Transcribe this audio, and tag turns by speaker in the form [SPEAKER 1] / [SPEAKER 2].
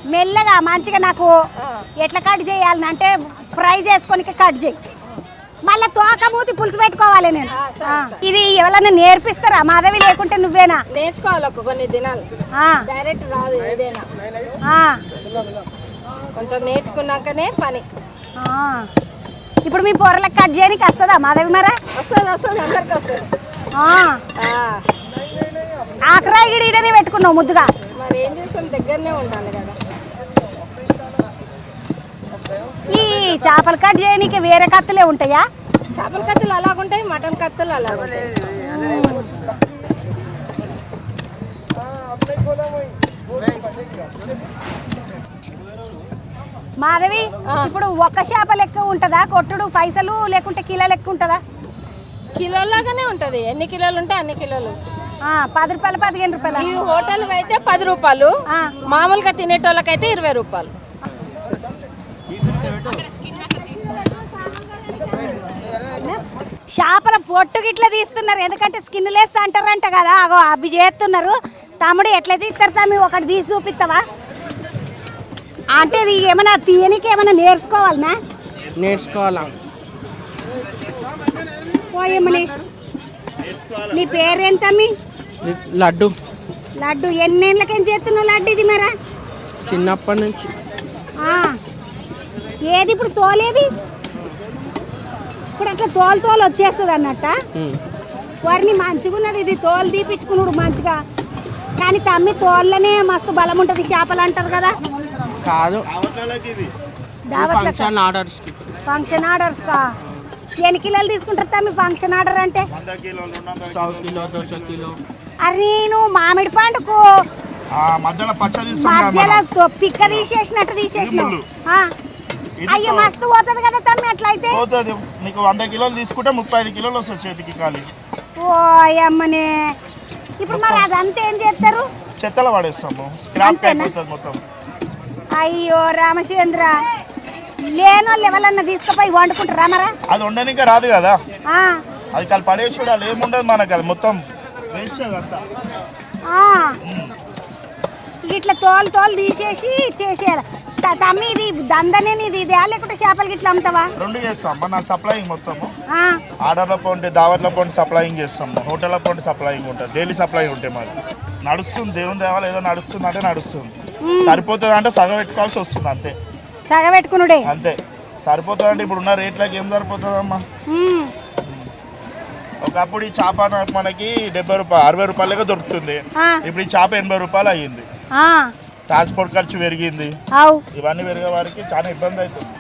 [SPEAKER 1] మెల్లగా మంచిగా నాకు ఎట్లా కట్ చేయాలని అంటే ఫ్రై చేసుకొని కట్ చేయి. మళ్ళీ తోక మూతి పులుసు పెట్టుకోవాలి నేను. ఇది ఎవరన్నా నేర్పిస్తారా మాధవి లేకుంటే నువ్వేనా?
[SPEAKER 2] నేర్చుకోవాలి కొన్ని దినాలు, డైరెక్ట్ రాదు ఏదైనా. కొంచెం నేర్చుకున్నాకనే పని.
[SPEAKER 1] ఇప్పుడు మీ పొరలకు కట్ చేయడానికి వస్తుందా మాధవి? మరా
[SPEAKER 2] వస్తుంది అందరికి వస్తుంది.
[SPEAKER 1] ఆకరాయి గిడనే పెట్టుకున్నావు ముద్దుగా.
[SPEAKER 2] మరి ఏం చేస్తాం, దగ్గరనే ఉండాలి కదా.
[SPEAKER 1] ఈ చేపలు కట్ చేయడానికి వేరే కత్తులే ఉంటాయా?
[SPEAKER 2] చేపల కత్తులు అలాగుంటాయి, మటన్ కత్తులు అలాగుంటాయి.
[SPEAKER 1] మాధవి ఇప్పుడు ఒక్క చేప లెక్క ఉంటుందా కొట్టుడు పైసలు, లేకుంటే కిలో లెక్క ఉంటుందా?
[SPEAKER 2] కిలోలాగానే ఉంటుంది, ఎన్ని కిలోలు ఉంటే అన్ని కిలోలు.
[SPEAKER 1] 10 రూపాయలు 15 రూపాయలు.
[SPEAKER 2] ఈ హోటల్ అయితే 10 రూపాయలు, మామూలుగా తినేటోళ్ళకైతే 20 రూపాయలు.
[SPEAKER 1] చేపల పొట్టు గిట్లా తీస్తున్నారు, ఎందుకంటే స్కిన్ లేస్తా అంటారంట కదా. అగో అవి చేస్తున్నారు. తమ్ముడు ఎట్లా తీస్తారు తమ్మి? ఒకటి తీసి చూపిస్తావా? అంటే ఇది ఏమైనా తీయనికి ఏమైనా నేర్చుకోవాలనా?
[SPEAKER 3] నేర్చుకోవాలా.
[SPEAKER 1] పోయమ్మని నీ పేరేంటమ్మి?
[SPEAKER 3] లడ్డు.
[SPEAKER 1] లడ్డు ఎన్నేళ్ళకేం చేస్తున్నావు లడ్డు ఇది? మరా
[SPEAKER 3] చిన్నప్పటి నుంచి.
[SPEAKER 1] ఏది ఇప్పుడు తోలేది? ఇప్పుడు అట్లా తోలు వచ్చేస్తుంది అన్నట్ట. వారిని మంచిగా ఉన్నది ఇది తోలు తీపించుకున్నాడు మంచిగా. కానీ తమ్మి తోళ్ళనే మస్తు బలం ఉంటుంది చేపలు అంటారు కదా.
[SPEAKER 3] కాదు,
[SPEAKER 1] ఫంక్షన్ ఆర్డర్స్ కా. ఎన్ని కిలోలు తీసుకుంటారు తమ్మి ఫంక్షన్ ఆర్డర్ అంటే?
[SPEAKER 3] 100 కిలో 200 కిలో.
[SPEAKER 1] అరే నువ్వు మామిడి పండుకు మధ్యలో పిక్క తీసేసినట్టు తీసేసినావు. అయ్యో మస్తు పోతుంది కదా తమ్మి అట్లయితే.
[SPEAKER 4] నీకు 100 కిలోలు తీసుకుంటే 35 కిలోలు వస్తుంది చేతికి ఖాళీ.
[SPEAKER 1] ఓ అమ్మనే. ఇప్పుడు మరి అదంతా ఏం చేస్తారు?
[SPEAKER 4] చెత్తలో పడేస్తాము. మొత్తం.
[SPEAKER 1] అయ్యో రామచంద్ర, లేనో లెవెలన్నా తీసుకుపోయి వండుకుంటారా మరా?
[SPEAKER 4] అది వండనికే రాదు కదా, అది కాదు పడేసి వాళ్ళు ఏముండదు మనకు, అది మొత్తం వేస్ట్ అంతా.
[SPEAKER 1] ఇట్లా తోలు తీసేసి చేసేయాలి. తమ్మి ఇది దందనే ఇది ఇదే లేకుంటే చేపలు గిట్లా అమ్ముతావా?
[SPEAKER 4] రెండు చేస్తాం. మన సప్లయింగ్ మొత్తము ఆర్డర్ల పోండి, దావత్ల పోండి సప్లయింగ్ చేస్తాము, హోటళ్ళ పోండి సప్లయింగ్ ఉంటుంది, డైలీ సప్లయింగ్ ఉంటాయి మాది. నడుస్తుంది, దేవుని దేవాలి ఏదో నడుస్తుంది అంటే నడుస్తుంది. సరిపోతుంది అంటే సగం పెట్టుకోవాల్సి వస్తుంది అంతే.
[SPEAKER 1] సగం పెట్టుకున్నాడే
[SPEAKER 4] అంతే సరిపోతుంది. అంటే ఇప్పుడు ఉన్న రేట్లకి ఏం సరిపోతుందమ్మా? ఒకప్పుడు ఈ చేప మనకి 70 రూపాయలు 60 రూపాయలుగా దొరుకుతుంది. ఇప్పుడు ఈ చేప 80 రూపాయలు అయ్యింది. ట్రాన్స్పోర్ట్ ఖర్చు పెరిగింది, ఇవన్నీ పెరిగే వారికి చాలా ఇబ్బంది అవుతుంది.